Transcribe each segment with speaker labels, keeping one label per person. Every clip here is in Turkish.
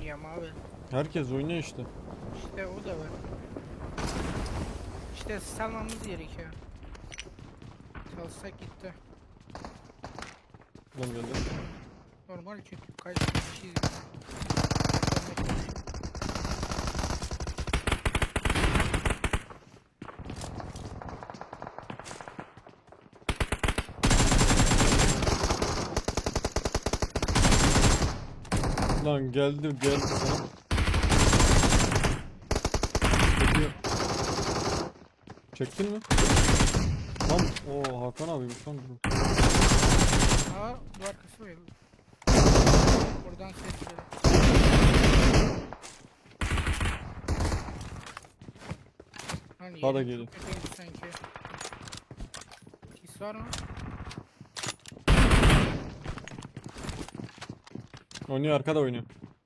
Speaker 1: oynuyor ama abi.
Speaker 2: Herkes oynuyor işte.
Speaker 1: İşte o da var. İşte salmamız gerekiyor. Salsak gitti.
Speaker 2: Lan geldi.
Speaker 1: Normal çünkü kaç kişiyiz.
Speaker 2: Lan geldi sana. Çekiyor. Çektin mi? Lan o Hakan abiymiş lan bu.
Speaker 1: Aa bu arkası var. Buradan ses geliyor. Hani
Speaker 2: Daha da
Speaker 1: yerim
Speaker 2: geliyor.
Speaker 1: çok kötüydü sanki. Sis var mı?
Speaker 2: Oynuyor, arkada oynuyor.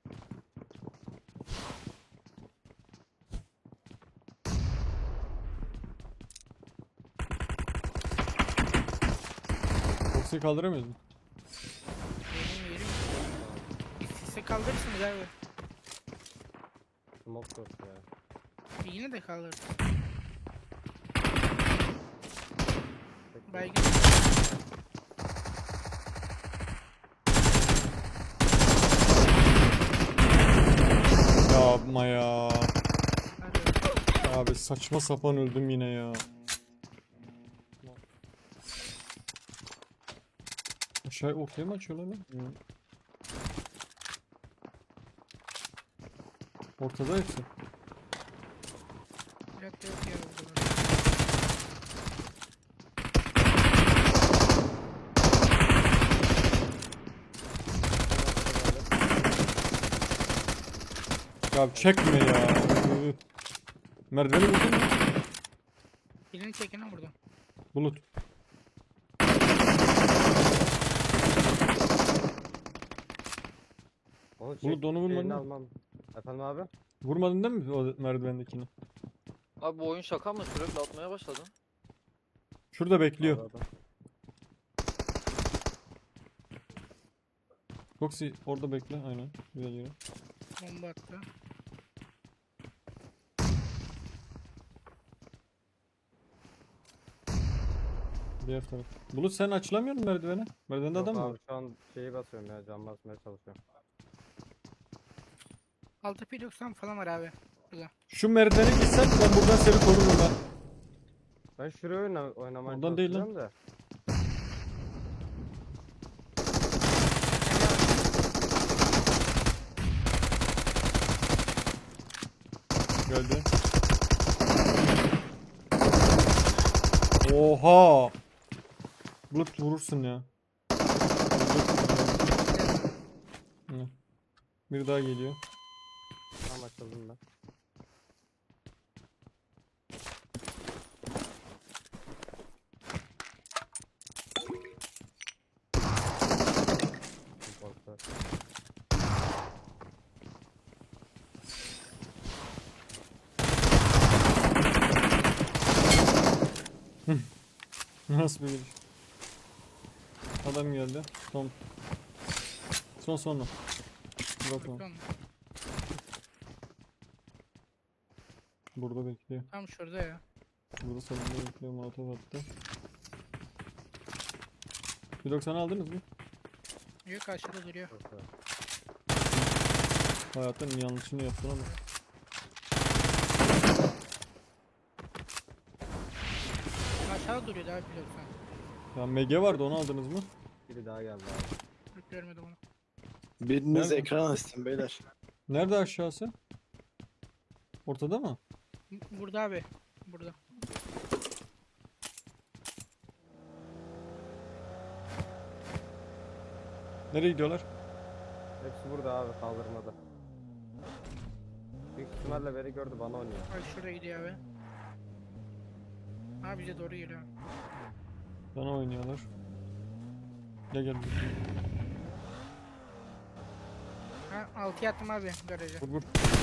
Speaker 2: Box'u kaldıramıyoruz mu?
Speaker 1: Yerim. Bir sise kaldırırsınız abi.
Speaker 3: Smoke yok ya.
Speaker 1: Yine de kaldırırsın.
Speaker 3: Peki.
Speaker 1: Baygın.
Speaker 2: Yapma ya.
Speaker 1: Hadi.
Speaker 2: Abi saçma sapan öldüm yine ya. Aşağı ortaya mı açıyorlar lan? Ortada hepsi.
Speaker 1: Cadde yok ya burada.
Speaker 2: Ya çekme ya. Merdiveni vurdun mu?
Speaker 1: Birini çekene vurdum.
Speaker 2: Bulut.
Speaker 3: Onu çek.
Speaker 2: Bulut onu vurmadın
Speaker 3: Elini
Speaker 2: mı?
Speaker 3: almam. Efendim abi?
Speaker 2: Vurmadın değil mi o merdivendekini?
Speaker 4: Abi bu oyun şaka mı? Sürekli atmaya başladın.
Speaker 2: Şurada bekliyor.
Speaker 3: Abi,
Speaker 2: Foxy orada bekle aynen. Güzel yere.
Speaker 1: Bomba attı.
Speaker 2: Diğer taraf. Bulut sen açılamıyor musun merdivene? Merdivende
Speaker 3: Yok
Speaker 2: adam mı
Speaker 3: abi
Speaker 2: var?
Speaker 3: şu an şeyi basıyorum ya, cam basmaya çalışıyorum.
Speaker 1: 6P90 falan var abi. Burada.
Speaker 2: Şu merdivene gitsen ben buradan seni korurum ben.
Speaker 3: Ben şuraya oynamaya
Speaker 2: Oradan değil lan.
Speaker 3: çalışacağım da.
Speaker 2: Geldi. Oha! Bulut vurursun ya. Hı. Bir daha geliyor.
Speaker 3: Tam açıldım ben. Korktu.
Speaker 2: Nasıl bir geliş? Adam geldi. Son. Bakalım.
Speaker 1: Bakın.
Speaker 2: Burada bekliyor.
Speaker 1: Tam şurada ya.
Speaker 2: Burada salonda bekliyor. Molotov attı. 190 aldınız mı?
Speaker 1: Yok aşağıda duruyor.
Speaker 3: Korktu.
Speaker 2: Hayatın yanlışını yaptın ama.
Speaker 1: Aşağıda duruyordu abi pilotsan.
Speaker 2: Ya MG vardı, onu aldınız mı?
Speaker 3: Biri daha geldi abi.
Speaker 1: Yok görmedim onu.
Speaker 5: Biriniz
Speaker 2: Nerede?
Speaker 5: ekran açsın beyler.
Speaker 2: Nerede aşağısı? Ortada mı?
Speaker 1: Burada abi. Burada.
Speaker 2: Nereye gidiyorlar?
Speaker 3: Hepsi burada abi, kaldırmada. Büyük ihtimalle beni gördü, bana oynuyor.
Speaker 1: Ay şuraya gidiyor abi. Abi bize doğru geliyor.
Speaker 2: Bana oynuyorlar. Gel.
Speaker 1: Ha 6'ya attım abi garaja.
Speaker 2: Vur.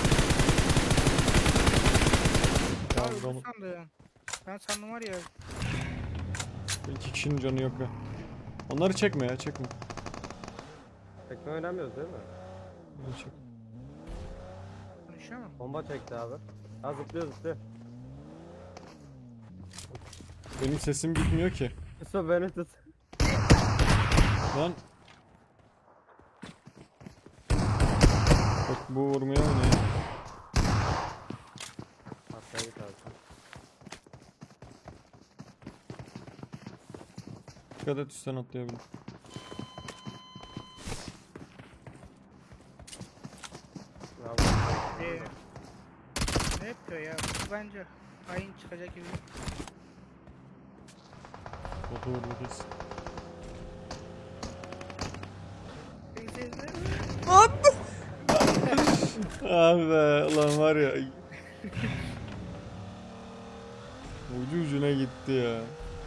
Speaker 1: Abi
Speaker 2: Ya
Speaker 1: bu
Speaker 2: onu,
Speaker 1: sandım. Ben sandım var ya.
Speaker 2: iki kişinin canı yok be. Onları çekme ya, çekme.
Speaker 3: Tekne oynamıyoruz değil mi?
Speaker 2: Onları çek.
Speaker 1: Koşuyor mu?
Speaker 3: Bomba çekti abi. Ha zıplıyor zıplıyor.
Speaker 2: Benim sesim gitmiyor ki.
Speaker 3: Yusuf beni tut.
Speaker 2: Lan. Bak bu vurmaya oynuyor.
Speaker 3: Hatta git abi sen.
Speaker 2: Dikkat et üstten atlayabilir.
Speaker 3: Ya
Speaker 1: Ne yapıyor ya? Bu bence hain çıkacak gibi.
Speaker 2: Botu vurdu kesin. Ah be ulan var ya. Ucu ucuna gitti ya.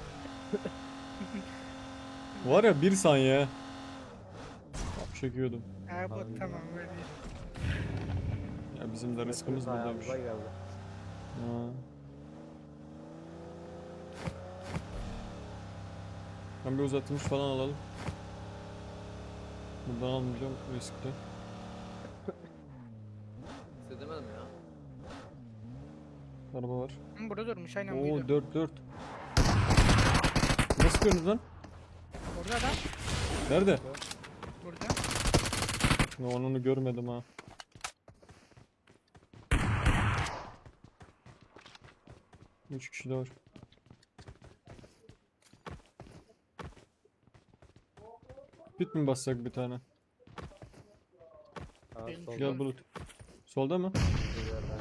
Speaker 2: Var ya bir saniye. Çekiyordum.
Speaker 1: Ha bu
Speaker 3: Abi,
Speaker 1: tamam böyle.
Speaker 2: Ya bizim de rızkımız buradaymış.
Speaker 3: ayağımıza geldi.
Speaker 2: Ha. Ben bir uzatılmış falan alalım. Buradan almayacağım riskli.
Speaker 4: İstedemedim ya.
Speaker 2: Araba var.
Speaker 1: Hı, burada durmuş aynen
Speaker 2: Oo
Speaker 1: buydu.
Speaker 2: 4-4. Nasıl görünüz lan?
Speaker 1: Orada adam.
Speaker 2: Nerede?
Speaker 1: Burada.
Speaker 2: Ya onu görmedim ha. Üç kişi de var. Bit mi bassak bir tane?
Speaker 3: Ha,
Speaker 1: Benim
Speaker 3: solda
Speaker 2: Gel Bulut. Solda mı?
Speaker 3: bir yerden.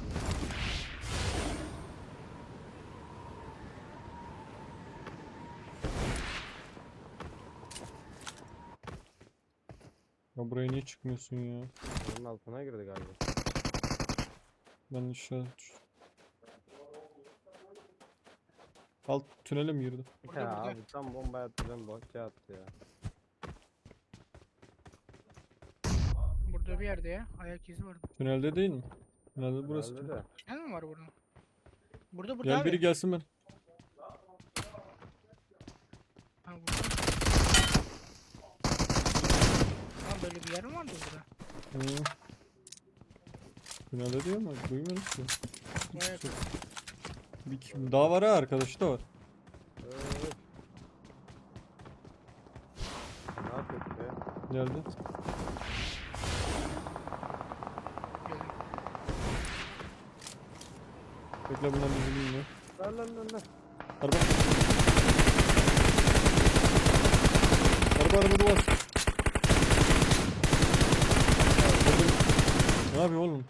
Speaker 2: Ya buraya niye çıkmıyorsun ya?
Speaker 3: Onun altına girdi galiba.
Speaker 2: Ben aşağı düş- Alt tünele mi girdi?
Speaker 1: Burada,
Speaker 3: Ya
Speaker 1: burada.
Speaker 3: abi tam bomba attım boşça attı ya.
Speaker 1: Burada bir yerde ya. Ayak izi vardı.
Speaker 2: Tünelde değil mi? Tünelde burası.
Speaker 3: Herhalde de.
Speaker 1: Ne mi var burada? Burada
Speaker 2: Gel
Speaker 1: abi.
Speaker 2: biri gelsin ben.
Speaker 1: Ha, burada. Ha böyle bir yer mi vardı burada?
Speaker 2: Hı. Tünelde diyor mu? Duymadım ki.
Speaker 1: Bayağı
Speaker 2: Bir kim daha var ha, arkadaşı da var.
Speaker 3: Öf. Ne yapıyorsun be?
Speaker 2: Geldi.
Speaker 1: güzel.
Speaker 2: Bekle bunlar bizi bilmiyor.
Speaker 3: Lan.
Speaker 2: Araba. Araba duvar. Ne yapıyor oğlum?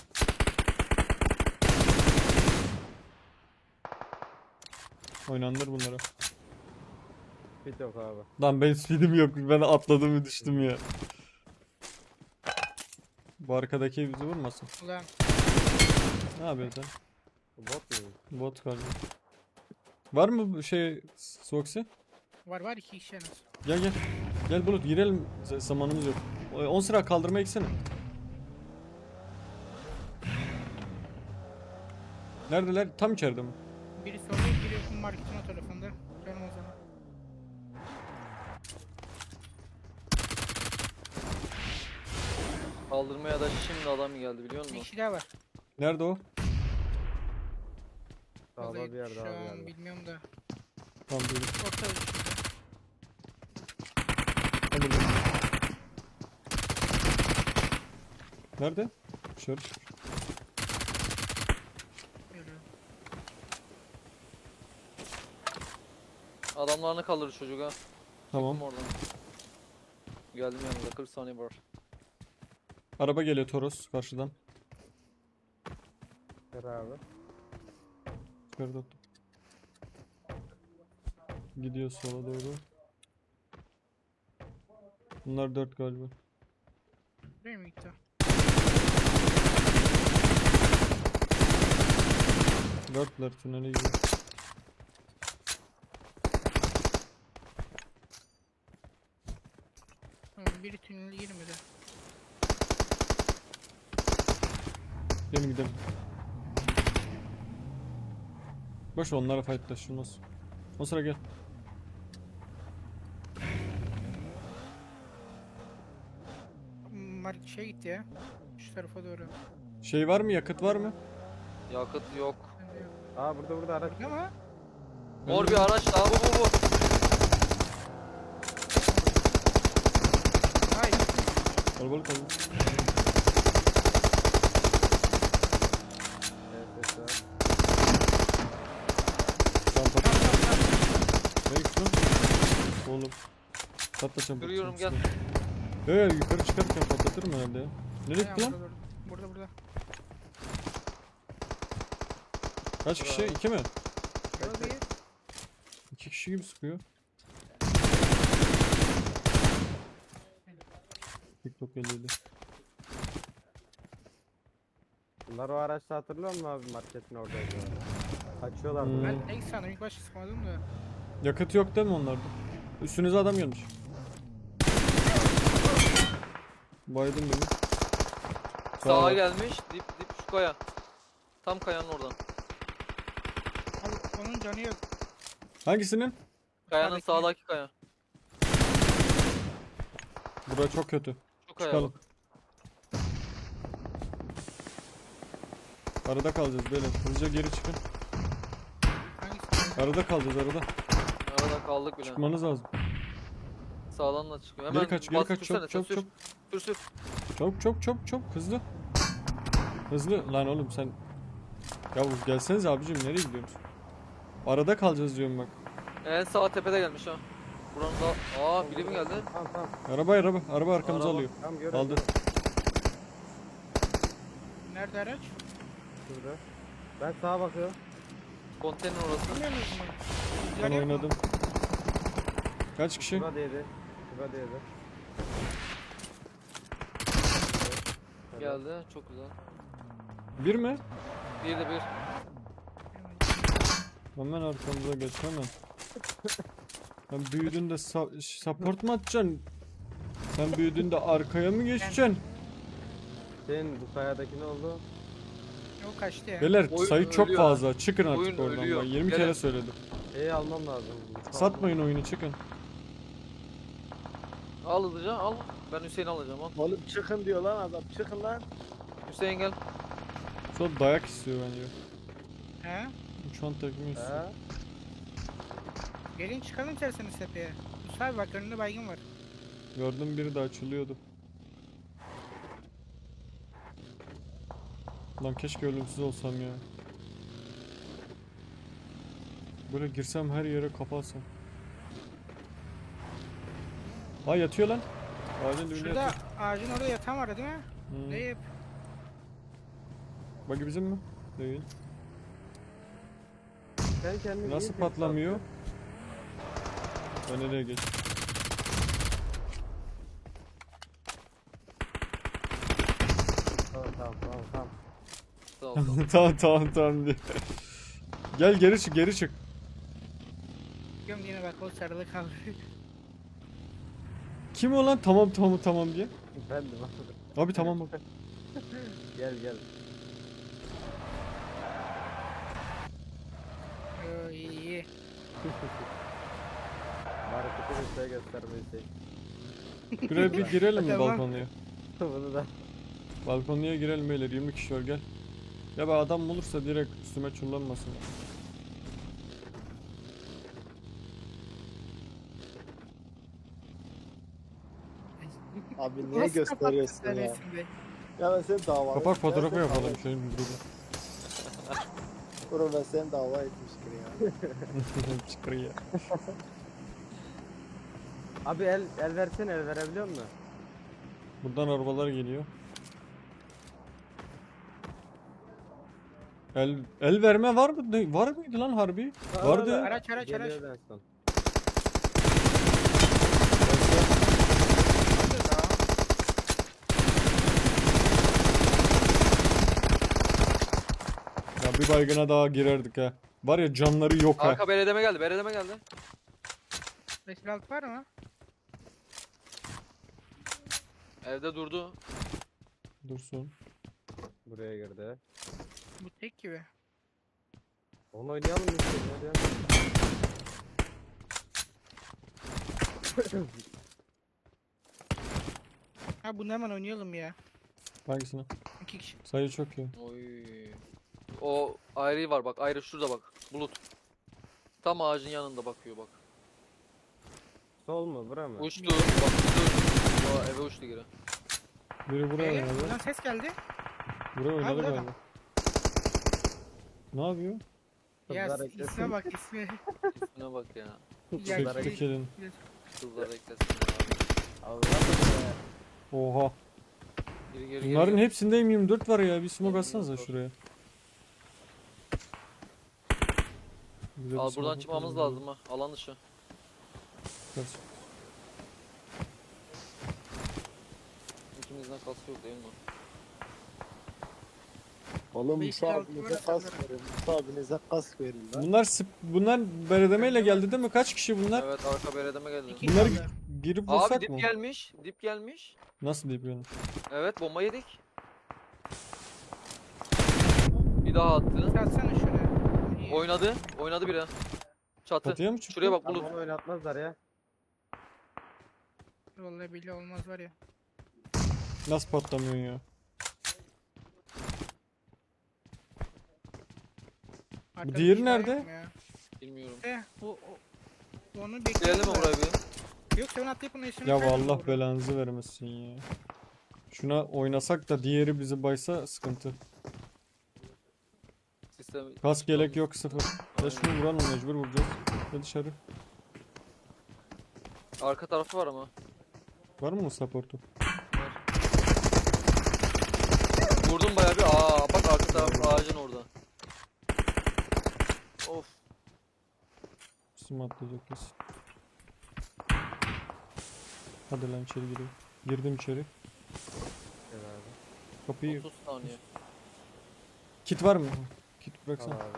Speaker 2: Oynandır bunlara.
Speaker 3: Hiç yok abi.
Speaker 2: Lan benim speedim yok. Ben atladım ve düştüm ya. Bu arkadaki ev bizi vurmasın.
Speaker 1: Ulan
Speaker 2: Ne yapıyorsun sen?
Speaker 3: Bu bot mu?
Speaker 2: Bot galiba. Var mı bu şey Soxy?
Speaker 1: var iki kişi en az.
Speaker 2: Gel. Gel Bulut girelim. Zamanımız yok. 10 sıra kaldırma eksene. Neredeler? Tam içeride mi?
Speaker 1: Biri solda biri marketin o tarafında. Canım o zaman.
Speaker 4: Kaldırmaya da şimdi adam geldi biliyor
Speaker 1: Bir
Speaker 4: musun?
Speaker 1: kişi daha var.
Speaker 2: Nerede o?
Speaker 3: Sağda
Speaker 1: Vallahi
Speaker 3: bir yerde
Speaker 1: şu
Speaker 3: abi
Speaker 1: an
Speaker 3: galiba.
Speaker 1: bilmiyorum da.
Speaker 2: Tamam duydum.
Speaker 1: Orta şurada.
Speaker 2: Ben buradayım. Nerede? Dışarı çıkmış.
Speaker 1: Geliyor.
Speaker 4: Adamlarını kaldırır çocuk ha.
Speaker 2: Tamam.
Speaker 4: Oradan. Geldim yanınıza 40 saniye var.
Speaker 2: Araba geliyor Toros karşıdan.
Speaker 3: Ver abi.
Speaker 2: Yukarıda attım. Gidiyor sola doğru. Bunlar 4 galiba.
Speaker 1: Buraya mı gitti?
Speaker 2: 4'ler tünele gidiyor.
Speaker 1: Tamam biri tünele girmedi.
Speaker 2: Gelin gidelim. Boş ver, onlara fightlaşılmaz. O sıra gel.
Speaker 1: Mark şey gitti ya. Şu tarafa doğru.
Speaker 2: Şey var mı, yakıt var mı?
Speaker 4: Yakıt yok.
Speaker 1: Bende yok.
Speaker 3: Aa burada araç.
Speaker 1: Burada mı?
Speaker 4: Mor bir araç daha bu.
Speaker 1: Ay.
Speaker 2: Kalabalık kaldı.
Speaker 3: Evet, evet.
Speaker 2: Tamam patlat. Nereye gidiyorsun? Oğlum. Patlatacağım.
Speaker 4: Görüyorum,
Speaker 2: patlatacağım. Evet yukarı çıkarken patlatırım herhalde ya. Nereye
Speaker 1: Aynen,
Speaker 2: gitti lan?
Speaker 1: burada.
Speaker 2: Kaç kişi? 2 mi?
Speaker 1: Yok değil.
Speaker 2: 2 kişi gibi sıkıyor. TikTok 57.
Speaker 3: Bunlar o araçta hatırlıyor musun abi, marketin oradaydı. Kaçıyorlar
Speaker 2: Hmm.
Speaker 3: buraya.
Speaker 1: Ben tek sandım ilk başta sıkmadım da.
Speaker 2: Yakıt yok değil mi onlarda? Üstünüze adam gelmiş. Baydım beni.
Speaker 4: Sağa
Speaker 2: var.
Speaker 4: gelmiş. Dip şu kaya. Tam kayanın oradan.
Speaker 1: Abi onun canı yok.
Speaker 2: Hangisinin?
Speaker 4: Kayanın
Speaker 1: Sağdaki.
Speaker 4: sağdaki kaya.
Speaker 2: Bura çok kötü.
Speaker 4: Şu kaya
Speaker 2: Çıkalım.
Speaker 4: bak.
Speaker 2: Arada kalacağız böyle. Hızlıca geri çıkın.
Speaker 1: Hangisi?
Speaker 2: Arada kalacağız arada.
Speaker 4: Arada kaldık bile.
Speaker 2: Çıkmanız lazım.
Speaker 4: Sağdan da çıkıyor.
Speaker 2: Geri
Speaker 4: Hemen
Speaker 2: kaç, geri
Speaker 4: bas,
Speaker 2: kaç.
Speaker 4: sürsene,
Speaker 2: Çabuk,
Speaker 4: sen
Speaker 2: çabuk, çabuk.
Speaker 4: Sür.
Speaker 2: Çabuk. Hızlı. Hızlı. Lan oğlum sen. Ya gelseniz abicim nereye gidiyorsunuz? Arada kalacağız diyorum bak.
Speaker 4: En sağ tepede gelmiş ha. Buranın da... biri mi geldi?
Speaker 3: Tamam.
Speaker 2: Araba arkamıza
Speaker 4: Araba.
Speaker 2: alıyor.
Speaker 3: Tamam görüyorum.
Speaker 2: Aldı.
Speaker 1: Nerede araç?
Speaker 3: Şurada. Ben sağa bakıyorum.
Speaker 4: Konteyner orası.
Speaker 1: Bilmiyor musun?
Speaker 2: Ben
Speaker 1: Canı yok mu?
Speaker 2: oynadım. Kaç kişi?
Speaker 3: Şurada değdi.
Speaker 4: Geldi. Çok güzel.
Speaker 2: Bir mi?
Speaker 4: Bir de bir.
Speaker 2: Hemen arkamıza geç hemen. Sen büyüdüğünde support mu atacaksın? Sen büyüdüğünde arkaya mı geçeceksin?
Speaker 3: Senin bu kayadaki ne oldu?
Speaker 1: O kaçtı ya.
Speaker 2: Beyler
Speaker 4: Oyun
Speaker 2: sayı çok
Speaker 4: ölüyor
Speaker 2: fazla. Çıkın artık
Speaker 4: Oyun
Speaker 2: oradan.
Speaker 4: ölüyor.
Speaker 2: Ben 20
Speaker 4: Gelin.
Speaker 2: kere söyledim.
Speaker 3: Almam lazım.
Speaker 2: Satmayın oyunu çıkın.
Speaker 4: Al hızlıca al. Ben Hüseyin'i alacağım al.
Speaker 5: Oğlum çıkın diyor lan adam. Çıkın lan.
Speaker 4: Hüseyin gel.
Speaker 2: Çok dayak istiyor bence.
Speaker 1: He?
Speaker 2: Şu an tekme istiyor.
Speaker 3: He?
Speaker 1: Gelin çıkalım isterseniz tepeye. Musa abi bak önünde baygın var.
Speaker 2: Gördüm biri de açılıyordu. Lan keşke ölümsüz olsam ya. Böyle girsem her yere kapatsam. Ha yatıyor lan. Ağacın dibinde
Speaker 1: Şurada
Speaker 2: yatıyor.
Speaker 1: ağacın orada yatan vardı değil mi?
Speaker 2: Hmm.
Speaker 1: Deyip.
Speaker 2: Bagi bizim mi? Değil.
Speaker 3: Sen kendini
Speaker 2: Nasıl
Speaker 3: iyi
Speaker 2: patlamıyor? Ben nereye geç?
Speaker 3: Tamam.
Speaker 4: Sağ ol.
Speaker 2: Tamam diye. Gel geri çık.
Speaker 1: Diyorum yine bak o sarılı kaldı.
Speaker 2: Kim o lan? Tamam diye.
Speaker 3: Bendim abi.
Speaker 2: Abi tamam bak.
Speaker 3: Gel.
Speaker 1: Yo iyi.
Speaker 3: Markete bir şey göstermeyi şey.
Speaker 2: Buraya bir girelim mi
Speaker 1: Tamam.
Speaker 2: balkonluya?
Speaker 3: Bunu da.
Speaker 2: Balkonluya girelim beyler 20 kişi var gel. Ya ben adam olursa direkt üstüme çullanmasın.
Speaker 5: Abi niye
Speaker 1: Nasıl
Speaker 5: gösteriyorsun
Speaker 1: kapattın
Speaker 5: ya?
Speaker 1: sen resimde?
Speaker 5: Ya ben seni dava
Speaker 2: Kapak fotoğrafı yapalım şöyle bir gruba.
Speaker 5: Bro ben seni dava etmiştir ya.
Speaker 2: Çıkır ya.
Speaker 3: Abi el versene, el verebiliyor musun?
Speaker 2: Buradan arabalar geliyor. El verme var mı? Var mıydı lan harbi? Vardı.
Speaker 1: Araç.
Speaker 3: Geliyor en son.
Speaker 2: Ya bir baygına daha girerdik ha. Var ya canları yok ha.
Speaker 4: Arka beledeme geldi.
Speaker 1: 556 var mı?
Speaker 4: Evde durdu.
Speaker 2: Dursun.
Speaker 3: Buraya girdi.
Speaker 1: Bu tek gibi.
Speaker 3: Onu oynayalım mı? Hadi ya.
Speaker 1: Ha bunu hemen oynayalım ya.
Speaker 2: Hangisine?
Speaker 1: 2 kişi.
Speaker 2: Sayı çok iyi.
Speaker 4: Oy. O ayrı var bak. Ayrı şurada bak. Bulut. Tam ağacın yanında bakıyor bak.
Speaker 3: Sol mu bura mı?
Speaker 4: Uçtu. Bak uçtu. Aa, eve uçtu geri.
Speaker 2: Biri buraya
Speaker 1: Buradan
Speaker 2: oynadı.
Speaker 1: ses geldi.
Speaker 2: Buraya oynadı
Speaker 1: burada
Speaker 2: galiba. Ne yapıyor?
Speaker 1: Ya
Speaker 3: Kızlar eklesin.
Speaker 1: isme bak isme.
Speaker 4: İsmine bak ya.
Speaker 1: Ya
Speaker 3: Kızlar
Speaker 2: Çekti
Speaker 3: eklesin.
Speaker 2: kilin.
Speaker 4: Kızlar eklesin ya.
Speaker 3: Allah be.
Speaker 2: Oha.
Speaker 4: Geri geri
Speaker 2: Bunların
Speaker 4: geri.
Speaker 2: hepsinde M24 var ya. Bir smoke atsanıza
Speaker 4: M24 var.
Speaker 2: şuraya. Bize bir
Speaker 4: Al
Speaker 2: smoke
Speaker 4: buradan çıkmamız
Speaker 2: atalım.
Speaker 4: lazım ha. Alan dışı.
Speaker 2: Kaç.
Speaker 4: İkimizden kası yok değil mi?
Speaker 5: Oğlum
Speaker 1: Bir
Speaker 5: Musa
Speaker 1: iki
Speaker 5: abinize
Speaker 1: altı
Speaker 5: kask
Speaker 1: var.
Speaker 5: verin. Musa abinize kask verin lan.
Speaker 2: Bunlar beredemeyle geldi değil mi? Kaç kişi bunlar?
Speaker 4: Evet arka beredeme geldi.
Speaker 1: İki
Speaker 2: Bunları
Speaker 1: kaldı.
Speaker 2: girip
Speaker 4: Abi
Speaker 2: vursak
Speaker 4: dip
Speaker 2: mı?
Speaker 4: gelmiş. Dip gelmiş.
Speaker 2: Nasıl deyip yani?
Speaker 4: Evet bomba yedik. Bir daha attı.
Speaker 1: Atsana şuraya. İyi.
Speaker 4: Oynadı. Oynadı biri. Çatı.
Speaker 2: Çatıya mı çıktı?
Speaker 4: Şuraya bak
Speaker 3: Ama
Speaker 4: Bulut.
Speaker 3: onu oynatmazlar ya.
Speaker 1: Vallahi billahi olmaz var ya.
Speaker 2: Nasıl patlamıyorsun ya?
Speaker 1: Arkada
Speaker 2: diğeri
Speaker 1: bir şey var
Speaker 2: nerede?
Speaker 1: mı ya?
Speaker 4: Bilmiyorum.
Speaker 1: Onu
Speaker 4: Gelelim
Speaker 1: bekleyelim
Speaker 4: mi
Speaker 1: de.
Speaker 4: buraya bir?
Speaker 1: Yok sen atlayıp onu işini
Speaker 2: Ya
Speaker 1: kaydırma
Speaker 2: Allah
Speaker 1: buraya.
Speaker 2: belanızı vermesin ya. Şuna oynasak da diğeri bizi baysa sıkıntı.
Speaker 4: Sistem.
Speaker 2: Kask yelek yok sıfır. Ya
Speaker 4: Aynen.
Speaker 2: şunu vuralım mecbur vuracağız. Ya dışarı.
Speaker 4: Arka tarafı var ama.
Speaker 2: Var mı supportu?
Speaker 4: Vurdum bayağı bir. Aa bak arka taraf ağacın orada. Of.
Speaker 2: Sim atlayacak kesin. Hadi lan içeri gireyim. Girdim içeri.
Speaker 3: Gel abi.
Speaker 2: Kapıyı...
Speaker 4: 30 saniye.
Speaker 2: Kit var mı? Kit
Speaker 3: Al
Speaker 2: bıraksana.
Speaker 3: abi.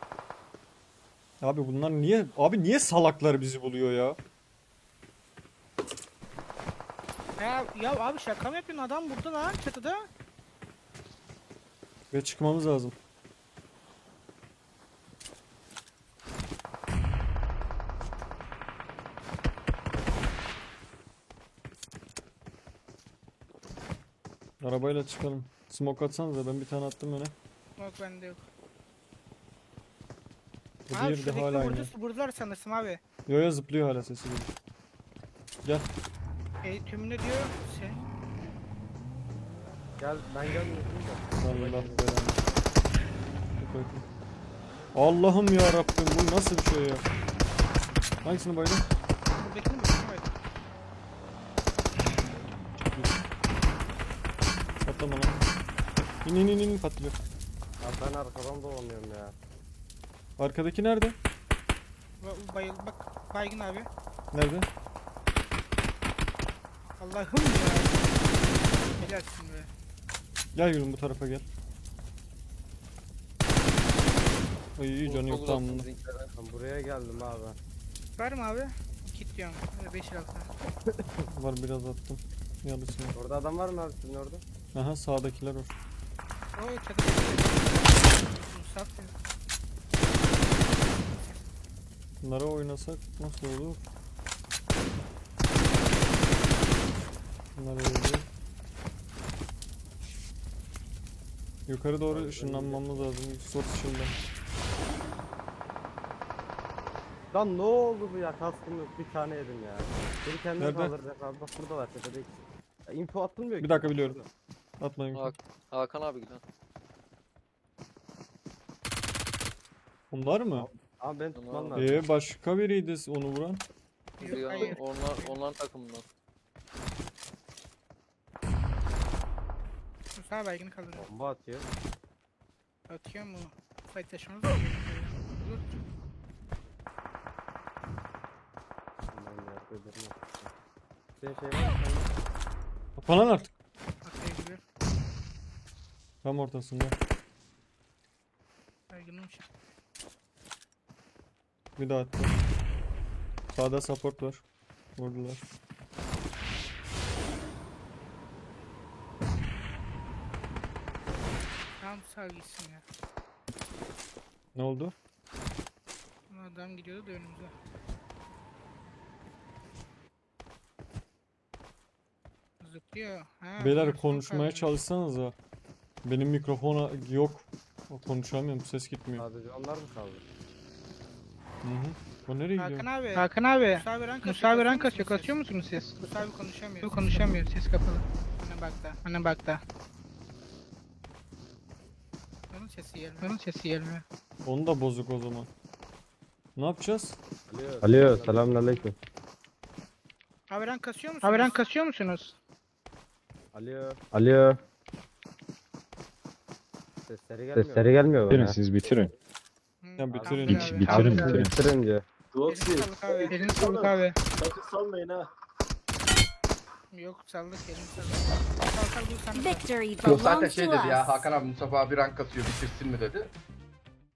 Speaker 2: Abi bunlar niye... Abi niye salaklar bizi buluyor ya?
Speaker 1: Ya abi şaka mı yapıyorsun, adam burada lan çatıda.
Speaker 2: Ve çıkmamız lazım. Arabayla çıkalım. Smoke atsanıza, ben bir tane attım öne.
Speaker 1: Bak bende yok.
Speaker 2: Bu
Speaker 1: Abi
Speaker 2: diğeri de
Speaker 1: şuradaki
Speaker 2: hala aynı.
Speaker 1: vurdular sanırsın abi.
Speaker 2: Yo yo zıplıyor hala sesi geliyor. Gel.
Speaker 1: Tümünü diyor şey.
Speaker 3: Gel ben gelmiyorum da.
Speaker 2: Allah belanı. Çok ayıp. Allah'ım ya Rabbim, bu nasıl bir şey ya? Hangisini baydın?
Speaker 1: Buradakini mi? Evet.
Speaker 2: Patlama lan. İn patlıyor.
Speaker 3: Abi ben arkadan dolanıyorum ya.
Speaker 2: Arkadaki nerede?
Speaker 1: Bayıl bak baygın abi.
Speaker 2: Nerede?
Speaker 1: Allah'ım ya. Helalsin be.
Speaker 2: Gel yürüm bu tarafa gel. Ay iyi canı yok tamam bunda.
Speaker 3: Ben buraya geldim abi.
Speaker 1: Var mı abi? Kit diyorum. 5 lira.
Speaker 2: Var biraz attım. Yarısını.
Speaker 3: Orada adam var mı abi sizin orada?
Speaker 2: Aha sağdakiler var.
Speaker 1: O çatıda. Musaf ya.
Speaker 2: Bunlara oynasak nasıl olur? Bunlar öldü. Yukarı doğru ışınlanmamız lazım. Sort ışından.
Speaker 3: Lan ne oldu bu ya, kaskım yok, bir tane yedim ya. Biri kendini
Speaker 2: Nerede?
Speaker 3: kaldıracak abi, bak buradalar tepede ikisi. Ya, info atılmıyor
Speaker 2: Bir
Speaker 3: ki.
Speaker 2: dakika biliyorum. Atmayın.
Speaker 4: Hakan abi giden.
Speaker 2: Bunlar mı?
Speaker 3: Abi beni tutman
Speaker 4: Tamam.
Speaker 3: lazım.
Speaker 2: Başka biriydi onu vuran.
Speaker 4: Bizi
Speaker 1: Yok,
Speaker 4: ya,
Speaker 1: hayır.
Speaker 4: onların takımından.
Speaker 1: Musa baygını kaldırıyor.
Speaker 3: Bomba atıyor.
Speaker 1: Atıyor mu? Fight taşımız olur.
Speaker 3: Ben yerde durma. Senin şey var mı?
Speaker 2: Kapanan artık.
Speaker 1: Atlayabiliyor.
Speaker 2: Tam ortasında.
Speaker 1: Baygınım için.
Speaker 2: Bir daha attı. Sağda support var. Vurdular.
Speaker 1: Tamam sağ gitsin ya.
Speaker 2: Ne oldu?
Speaker 1: Adam gidiyordu da önümüze. zıplıyor. Ha,
Speaker 2: Beyler
Speaker 1: bunlar son
Speaker 2: konuşmaya
Speaker 1: kalmış.
Speaker 2: çalışsanıza. Benim mikrofona yok. Konuşamıyorum, ses gitmiyor.
Speaker 3: Sadece onlar mı kaldı?
Speaker 2: Hı hı. O nereye gidiyor?
Speaker 1: Hakan abi. Hakan abi. Musa rank kasıyor. Kasıyor musunuz siz? Musa abi konuşamıyor. Konuşamıyor. Ses kapalı. Ana bakta. Ana bakta. Onun sesi gelmiyor. Onun sesi gelmiyor.
Speaker 2: Onu da bozuk o zaman. Ne yapacağız?
Speaker 3: Alo, selamünaleyküm.
Speaker 1: Abi rank kasıyor musunuz? Abi rank kasıyor musunuz?
Speaker 3: Alo. Sesleri gelmiyor
Speaker 6: Bitirin
Speaker 3: bana.
Speaker 6: siz bitirin.
Speaker 2: Ya bitirin.
Speaker 6: Bitirin, bitirin.
Speaker 3: Bitirince.
Speaker 5: Roxy.
Speaker 1: Elini sağlık abi. Elini sağlık abi.
Speaker 5: Sakın salmayın ha.
Speaker 1: Yok saldık elini saldık. Sal bu sana.
Speaker 7: Victory
Speaker 8: Yok zaten
Speaker 7: belongs
Speaker 8: şey
Speaker 7: to
Speaker 8: dedi ya
Speaker 7: us.
Speaker 8: Hakan abi Mustafa abi rank atıyor bitirsin mi dedi.